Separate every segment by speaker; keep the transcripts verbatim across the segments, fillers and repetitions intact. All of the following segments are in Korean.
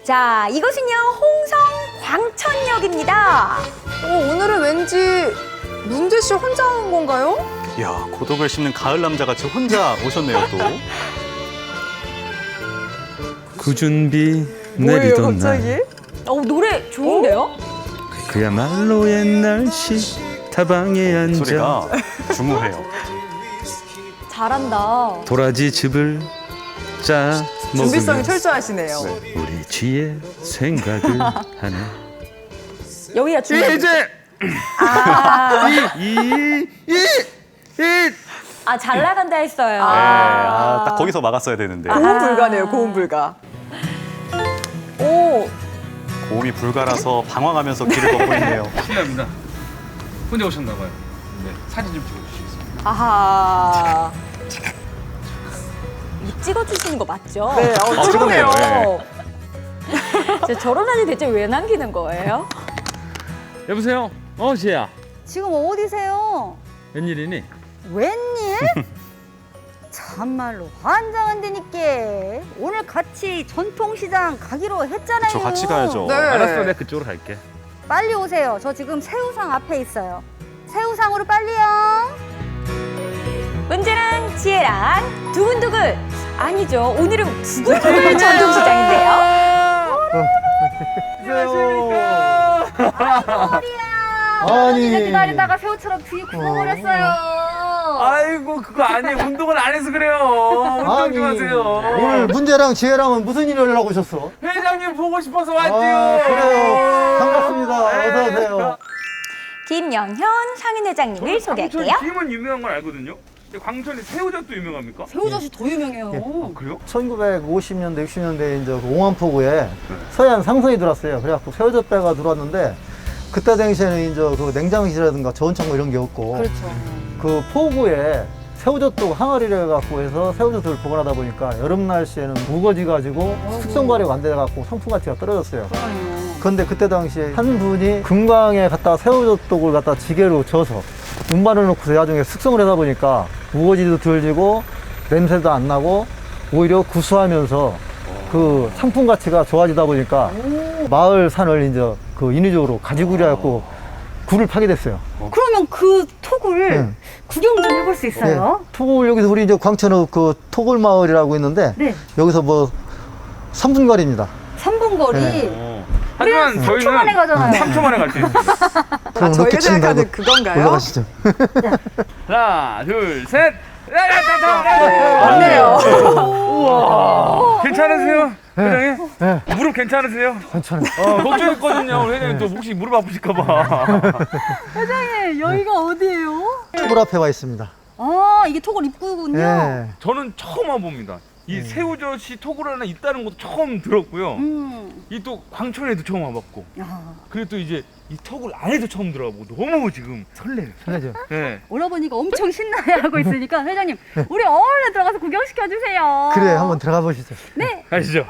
Speaker 1: 자, 이것은요 홍성 광천역입니다.
Speaker 2: 어, 오늘은 왠지 문재 씨 혼자 온 건가요?
Speaker 3: 이야, 고독을 씹는 가을 남자같이 혼자 오셨네요, 또.
Speaker 4: 구준비
Speaker 2: 뭐예요,
Speaker 4: 내리던
Speaker 2: 갑자기?
Speaker 4: 날
Speaker 1: 어, 노래 좋은데요?
Speaker 4: 그야말로 옛날시 타방에 앉아
Speaker 3: 소리가 주무해요.
Speaker 1: 잘한다.
Speaker 4: 도라지 즙을 짜
Speaker 2: 준비성이
Speaker 4: 먹으면
Speaker 2: 철저하시네요.
Speaker 4: 우리 쥐의 생각을 하네.
Speaker 1: 여기가 중요.
Speaker 4: 이제
Speaker 1: 아,
Speaker 4: 이이이
Speaker 1: 아, 잘 나간다 했어요.
Speaker 3: 네, 아, 딱 거기서 막았어야 되는데.
Speaker 2: 고음 불가네요, 고음 불가.
Speaker 1: 오,
Speaker 3: 고음이 불가라서 방황하면서 길을 걷고 있네요.
Speaker 5: 실례합니다. 혼자 오셨나 봐요. 네, 사진 좀 찍어주시겠습니다.
Speaker 2: 아하.
Speaker 1: 이거 찍어주시는 거 맞죠?
Speaker 2: 네, 어,
Speaker 3: 아, 찍었네요.
Speaker 2: 찍었네요.
Speaker 1: 저 저런 사진 대체 왜 남기는 거예요?
Speaker 4: 여보세요? 어 지혜야
Speaker 6: 지금 어디세요?
Speaker 4: 웬일이니?
Speaker 6: 웬일? 참말로 환장한다니까. 오늘 같이 전통시장 가기로 했잖아요.
Speaker 3: 저 같이 가야죠.
Speaker 2: 네.
Speaker 4: 알았어 내가 그쪽으로 갈게.
Speaker 6: 빨리 오세요. 저 지금 새우상 앞에 있어요. 새우상으로 빨리요.
Speaker 1: 문제랑 지혜랑 두근두근. 아니죠. 오늘은 두근두근 전통시장인데요.
Speaker 6: 아니. 이렇게 기다리다가 새우처럼 뒤에 굳어버렸어요.
Speaker 5: 아이고 그거 아니에요. 운동을 안 해서 그래요. 운동 좀 하세요.
Speaker 7: 오늘 문제랑 지혜랑은 무슨 일을 하려고 오셨어?
Speaker 5: 회장님 보고 싶어서
Speaker 7: 아,
Speaker 5: 왔지요.
Speaker 7: 그래요. 반갑습니다. 어서 오세요.
Speaker 1: 김영현 상인회장님을 소개할게요.
Speaker 5: 광천이 김은 유명한 건 알거든요. 근데 광천이 새우젓도 유명합니까?
Speaker 6: 새우젓이 더 유명해요.
Speaker 5: 아, 그래요?
Speaker 7: 천구백오십 년대, 육십 년대 이제 그 옹암포구에 서해안 상선이 들어왔어요. 그래갖고 새우젓 배가 들어왔는데 그때 당시에는 이제 그 냉장실이라든가 저온창고 이런 게 없고
Speaker 6: 그렇죠.
Speaker 7: 그 포구에 새우젓도 항아리를 갖고 해서 새우젓을 보관하다 보니까 여름 날씨에는 무거지 가지고 숙성 발효가 안 돼 갖고 상품 가치가 떨어졌어요. 그런데 그때 당시에 한 분이 금강에 갖다 새우젓독을 갖다 지게로 져서 운반을 놓고서 나중에 숙성을 하다 보니까 무거지도 덜 지고 냄새도 안 나고 오히려 구수하면서 그 상품 가치가 좋아지다 보니까 마을 산을 이제 그 인위적으로 가지구려 갖고 굴을 파게 됐어요.
Speaker 6: 그러면 그 톡을
Speaker 7: 네.
Speaker 6: 구경 좀 해볼 수 있어요?
Speaker 7: 토굴 여기서 우리 이제 광천읍 그 토굴 마을이라고 있는데
Speaker 6: 네.
Speaker 7: 여기서 뭐 삼 분 거리입니다.
Speaker 6: 삼 분 거리.
Speaker 7: 네.
Speaker 5: 하지만
Speaker 6: 삼 초 만에
Speaker 5: 저희는
Speaker 6: 가잖아요.
Speaker 5: 삼 초 만에 갈 수 있습니다.
Speaker 2: 아,
Speaker 7: 그럼
Speaker 2: 저희가
Speaker 7: 로켓 치는
Speaker 2: 생각하는
Speaker 7: 거
Speaker 2: 그건가요?
Speaker 7: 올라가시죠.
Speaker 5: 하나, 둘, 셋. 야, 야, 자, 자,
Speaker 2: 네,
Speaker 5: 자.
Speaker 2: 맞네요.
Speaker 5: 우와. 괜찮으세요? 회장님?
Speaker 7: 네.
Speaker 5: 무릎 괜찮으세요?
Speaker 7: 괜찮아요.
Speaker 5: 어, 걱정했거든요. 우리 회장님 또 혹시 무릎 아프실까봐.
Speaker 6: 네, 여기가 어디예요?
Speaker 7: 토굴 앞에 와 있습니다.
Speaker 6: 아, 이게 톡을 입구군요.
Speaker 7: 예.
Speaker 5: 저는 처음 와봅니다. 이 새우젓이 토굴 안에 있다는 것도 처음 들었고요.
Speaker 6: 음.
Speaker 5: 이 또 광천에도 처음 와봤고.
Speaker 6: 야,
Speaker 5: 그리고 또 이제 이 토굴 안에도 처음 들어가보고 너무 지금 설레요.
Speaker 7: 편하죠.
Speaker 5: 네.
Speaker 6: 오라버니가 엄청 신나해하고 있으니까 회장님, 우리 얼른 들어가서 구경시켜 주세요.
Speaker 7: 그래, 한번 들어가 보시죠.
Speaker 6: 네.
Speaker 5: 가시죠.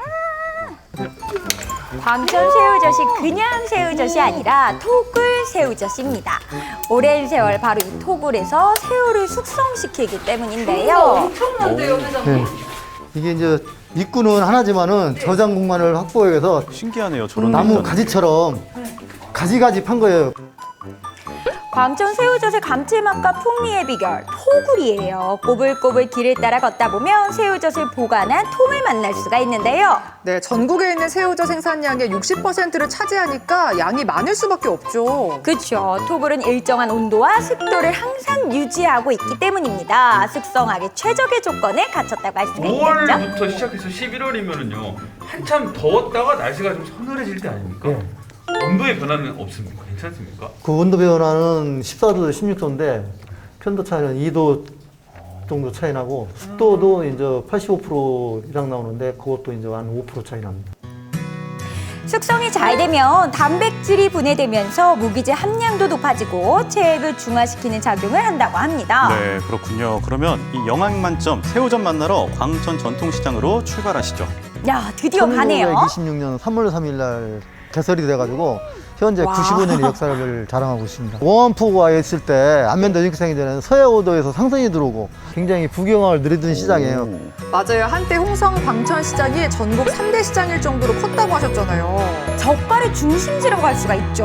Speaker 1: 광천 새우젓이 그냥 새우젓이 아니라 토굴 새우젓입니다. 오랜 세월 바로 이 토굴에서 새우를 숙성시키기 때문인데요.
Speaker 6: 엄청난데요, 회장님?
Speaker 7: 네. 이게 이제 입구는 하나지만은 저장 공간을 확보해서
Speaker 3: 신기하네요, 저런
Speaker 7: 나무
Speaker 3: 데는.
Speaker 7: 가지처럼 가지가지 판 거예요.
Speaker 1: 광천 새우젓의 감칠맛과 풍미의 비결 토굴이에요. 꼬불꼬불 길을 따라 걷다 보면 새우젓을 보관한 통을 만날 수가 있는데요.
Speaker 2: 네, 전국에 있는 새우젓 생산량의 육십 퍼센트를 차지하니까 양이 많을 수밖에 없죠.
Speaker 1: 그렇죠. 토굴은 일정한 온도와 습도를 항상 유지하고 있기 때문입니다. 숙성하기 최적의 조건에 갖췄다고 할 수가 있겠죠.
Speaker 5: 오월부터 시작해서 십일월이면은요 한참 더웠다가 날씨가 좀 서늘해질 때 아닙니까?
Speaker 7: 네.
Speaker 5: 온도의 변화는 없습니까? 괜찮습니까?
Speaker 7: 그 온도 변화는 십사 도, 십육 도인데 편도 차이는 이 도 정도 차이 나고 습도도 이제 팔십오 퍼센트 이상 나오는데 그것도 이제 한 오 퍼센트 차이 납니다.
Speaker 1: 숙성이 잘 되면 단백질이 분해되면서 무기질 함량도 높아지고 체액을 중화시키는 작용을 한다고 합니다.
Speaker 3: 네, 그렇군요. 그러면 이 영양 만점 새우젓 만나러 광천 전통시장으로 출발하시죠.
Speaker 1: 야, 드디어 가네요.
Speaker 7: 천구백이십육 년 삼월 삼일 날 개설이 돼가지고 현재
Speaker 1: 와.
Speaker 7: 구십오 년의 역사를 자랑하고 있습니다. 원포구가 있을 때 안면도 전기상이 전에는 서해오도에서 상선이 들어오고 굉장히 부경을 누리던 시장이에요.
Speaker 2: 맞아요. 한때 홍성 광천시장이 전국 삼 대 시장일 정도로 컸다고 하셨잖아요.
Speaker 1: 젓갈의 중심지라고 할 수가 있죠.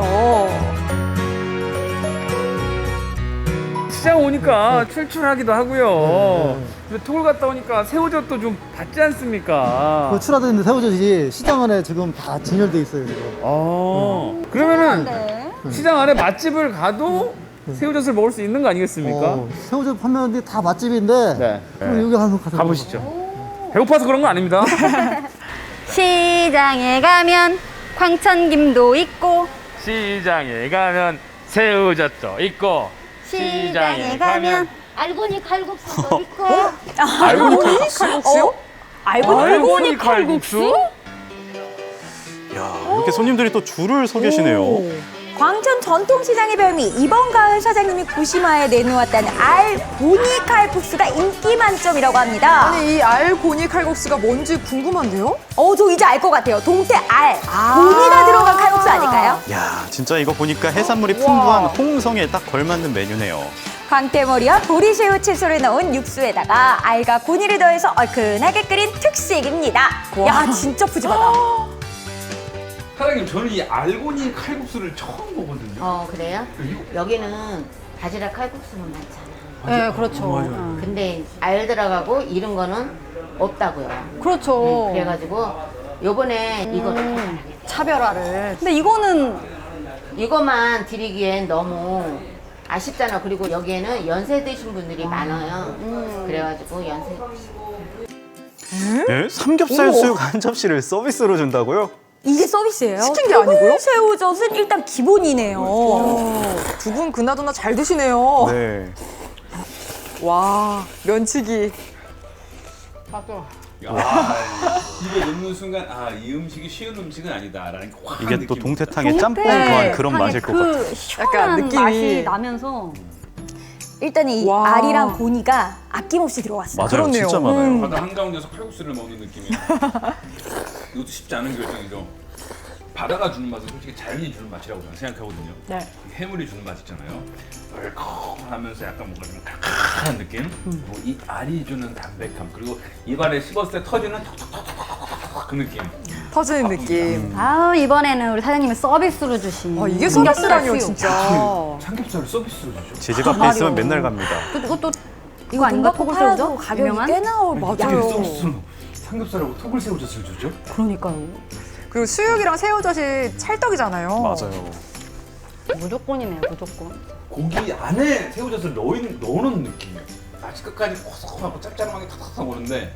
Speaker 4: 시장 오니까 출출하기도 하고요.
Speaker 7: 네,
Speaker 4: 근데 토굴 갔다 오니까 새우젓도 좀 받지 않습니까?
Speaker 7: 그 출하되는 새우젓이 시장 안에 지금 다 진열돼 있어요. 지금.
Speaker 4: 아, 그러면은
Speaker 6: 네.
Speaker 4: 시장 안에 맛집을 가도 새우젓을 먹을 수 있는 거 아니겠습니까?
Speaker 7: 어, 새우젓 판매하는데 다 맛집인데
Speaker 4: 네.
Speaker 7: 그럼 여기 한번 가서
Speaker 4: 가보시죠. 배고파서 그런 거 아닙니다.
Speaker 6: 시장에 가면 광천김도 있고
Speaker 4: 시장에 가면 새우젓도 있고
Speaker 6: 시장에 가면 알고니 칼국수도 있고
Speaker 1: 알고니 칼국수요? 어? 알고니
Speaker 4: 알고니 칼국수?
Speaker 3: 야, 이렇게 손님들이 또 줄을 서 계시네요.
Speaker 1: 광천 전통시장의 별미 이번 가을 사장님이 고심하에 내놓았다는 알고니 칼국수가 인기 만점이라고 합니다.
Speaker 2: 아니 이 알고니 칼국수가 뭔지 궁금한데요?
Speaker 1: 어, 저 이제 알 것 같아요. 동태 알, 고니가 들어간 칼국수 아닐까요?
Speaker 3: 야, 진짜 이거 보니까 해산물이 풍부한 홍성에 딱 걸맞는 메뉴네요.
Speaker 1: 광태머리와 보리새우 채소를 넣은 육수에다가 알과 고니를 더해서 얼큰하게 끓인 특식입니다. 야, 진짜 푸짐하다.
Speaker 5: 사장님 저는 이 알고니 칼국수를 처음 보거든요.
Speaker 8: 어 그래요? 여기는 바지락 칼국수는 많잖아.
Speaker 6: 네, 그렇죠.
Speaker 8: 근데 알 들어가고 이런 거는 없다고요.
Speaker 6: 그렇죠.
Speaker 8: 그래가지고 요번에 이거
Speaker 6: 차별화를. 근데 이거는
Speaker 8: 이거만 드리기엔 너무 아쉽잖아. 그리고 여기에는 연세 드신 분들이 많아요. 그래가지고 연세
Speaker 3: 네? 삼겹살 수육 한 접시를 서비스로 준다고요?
Speaker 1: 이게 서비스예요?
Speaker 2: 시킨 게 아니고요?
Speaker 1: 새우젓은 일단 기본이네요.
Speaker 2: 두 분 그나저나 잘 드시네요.
Speaker 3: 네.
Speaker 2: 와 면치기.
Speaker 5: 야, 입에 넣는 순간 아 이 음식이 쉬운 음식은 아니다라는 게 확
Speaker 3: 이게 또
Speaker 5: 느낍니다.
Speaker 3: 동태탕의 짬뽕
Speaker 6: 네.
Speaker 3: 더한 그런 맛일 것 같아요.
Speaker 6: 그 시원한
Speaker 2: 약간 느낌이.
Speaker 6: 맛이 나면서
Speaker 1: 일단 이
Speaker 2: 와.
Speaker 1: 알이랑 고니가 아낌없이 들어왔어요.
Speaker 3: 맞아요,
Speaker 2: 그렇네요.
Speaker 3: 진짜 많아요.
Speaker 5: 바다 한가운데서 칼국수를 먹는 느낌이에요. 이것도 쉽지 않은 결정이죠. 바다가 주는 맛은 솔직히 자연이 주는 맛이라고 저는 생각하거든요.
Speaker 1: 네.
Speaker 5: 해물이 주는 맛 있잖아요. 얼큰하면서 약간 뭔가 좀 칼칼한 느낌. 그리고 이 알이 주는 담백함. 그리고 입안에 씹었을 때 터지는 톡톡톡톡톡 그 느낌.
Speaker 2: 터지는 느낌.
Speaker 6: 아 이번에는 우리 사장님이 서비스로 주신
Speaker 2: 아 이게
Speaker 6: 삼겹살
Speaker 2: 서비스라니요
Speaker 6: 수육.
Speaker 2: 진짜.
Speaker 5: 삼겹살을 서비스로 주죠.
Speaker 3: 제 집 앞에 있으면 맨날 갑니다.
Speaker 6: 또 이것도 이거 아닌가?
Speaker 1: 돈갖고 팔아도
Speaker 6: 토글새우젓?
Speaker 1: 가격이
Speaker 6: 유명한?
Speaker 1: 꽤 나올
Speaker 5: 이게
Speaker 1: 맞아요.
Speaker 5: 서비스로 삼겹살하고 톡을 새우젓을 주죠?
Speaker 6: 그러니까요.
Speaker 2: 그리고 수육이랑 새우젓이 찰떡이잖아요.
Speaker 3: 맞아요.
Speaker 6: 무조건이네요, 무조건.
Speaker 5: 고기 안에 새우젓을 넣은, 넣어놓은 느낌이에요. 아직 끝까지 고소하고 짭짤하게 탁탁탁 오는데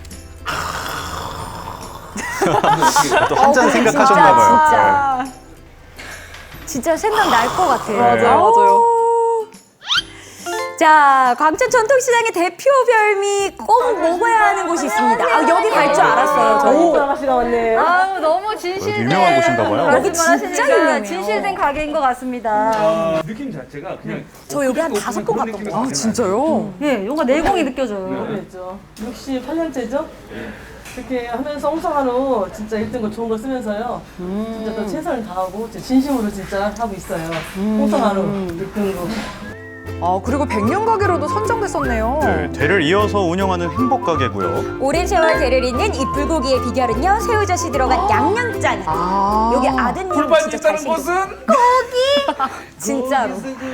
Speaker 3: 또 한 잔
Speaker 1: 어, 근데
Speaker 3: 생각하셨나 봐요.
Speaker 1: 진짜, 진짜. 진짜 생각 날 것 같아요.
Speaker 2: 맞아요, 맞아요.
Speaker 1: 자, 광천 전통시장의 대표 별미 꼭 먹어야 하는 곳이 있습니다. 아, 여기 갈 줄 알았어요, 저희.
Speaker 6: 아우 너무 진실된
Speaker 3: 유명한 곳인가 봐요.
Speaker 1: 여기 진짜 유명해요.
Speaker 6: 진실된 가게인 것 같습니다.
Speaker 5: 느낌 자체가 그냥
Speaker 1: 저 여기 한 다섯 번 갔던 것
Speaker 2: 아
Speaker 1: 같아요.
Speaker 2: 진짜요?
Speaker 6: 예, 뭔가 내공이 느껴져요.
Speaker 9: 그랬죠. 육십팔 년째죠? 그렇게 하면서 홍성한우 진짜 일 등급 좋은 걸 쓰면서요. 진짜 또 최선을 다하고 진짜 진심으로 진짜 하고 있어요. 홍성한우 일 등급.
Speaker 2: 아 그리고 백년 가게로도 선정됐었네요.
Speaker 3: 네, 대를 이어서 운영하는 행복 가게고요.
Speaker 1: 오랜 세월 대를 잇는 이 불고기의 비결은요, 새우젓이 들어간 양념장.
Speaker 2: 아
Speaker 1: 여기 아드님
Speaker 5: 불판
Speaker 1: 진짜
Speaker 5: 있다는
Speaker 1: 잘생겼어요.
Speaker 5: 것은
Speaker 1: 진짜로.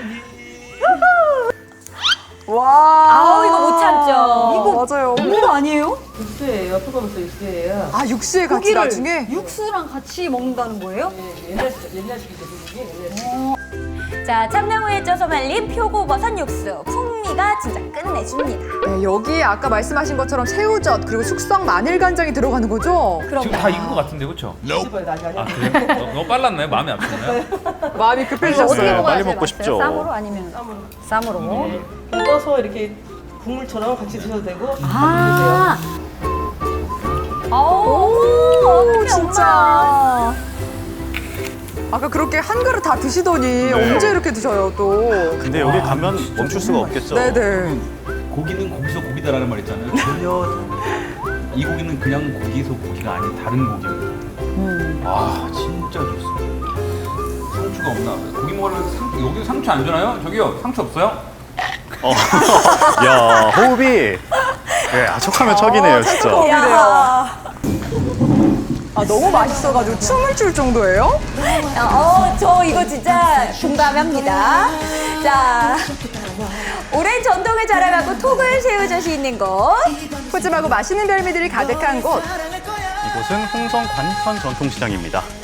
Speaker 2: 와.
Speaker 1: 아우, 이거 못 참죠.
Speaker 2: 이거 맞아요.
Speaker 1: 이거 아니에요?
Speaker 9: 육수예요. 토거버섯 육수예요.
Speaker 2: 아 육수에 같이
Speaker 6: 고기를
Speaker 2: 나중에.
Speaker 6: 육수랑 같이 먹는다는 거예요?
Speaker 9: 예, 옛날 옛날식이죠, 그게 옛날식.
Speaker 1: 자, 참나무에 쪄서 말린 표고버섯 육수. 풍미가 진짜 끝내줍니다.
Speaker 2: 네, 여기에 아까 말씀하신 것처럼 새우젓 그리고 숙성 마늘 간장이 들어가는 거죠?
Speaker 1: 그럼
Speaker 5: 지금 다 익은 것 같은데 그렇죠?
Speaker 9: 집어요, 나중에.
Speaker 5: 아 그래요? 너- 너무 빨랐나요? 마음이 아팠나요?
Speaker 2: 마음이
Speaker 6: 어떻게
Speaker 2: 급해지셨어요.
Speaker 3: 네,
Speaker 6: 먹어야
Speaker 3: 빨리
Speaker 6: 제일
Speaker 3: 먹고
Speaker 6: 맛있어요?
Speaker 3: 싶죠.
Speaker 6: 쌈으로 아니면
Speaker 9: 쌈으로.
Speaker 6: 쌈으로?
Speaker 9: 떠서 이렇게 국물처럼 같이 드셔도 되고.
Speaker 6: 아,
Speaker 1: 오,
Speaker 2: 진짜. 아까 그렇게 한 그릇 다 드시더니 언제 이렇게 드셔요 또?
Speaker 3: 근데 여기 가면 멈출 수가 없겠죠.
Speaker 2: 네네.
Speaker 5: 고기는 고기서 고기다라는 말 있잖아요. 전혀 이 고기는 그냥 고기서 고기가 아닌 다른 고기입니다. 아 진짜 좋습니다. 상추가 없나? 고기 먹으면 상추, 여기도 상추 안 주나요? 저기요, 상추 없어요?
Speaker 3: 어. 야, 호흡이 예, 아, 척하면 척이네요, 진짜.
Speaker 1: 야.
Speaker 2: 아, 너무 맛있어가지고 춤을 출 정도예요?
Speaker 1: 어, 저 이거 진짜 공감합니다. 자, 오랜 전통을 자랑하고 토굴 새우젓이 있는 곳.
Speaker 2: 푸짐하고 맛있는 별미들이 가득한 곳.
Speaker 3: 이곳은 홍성 관천 전통시장입니다.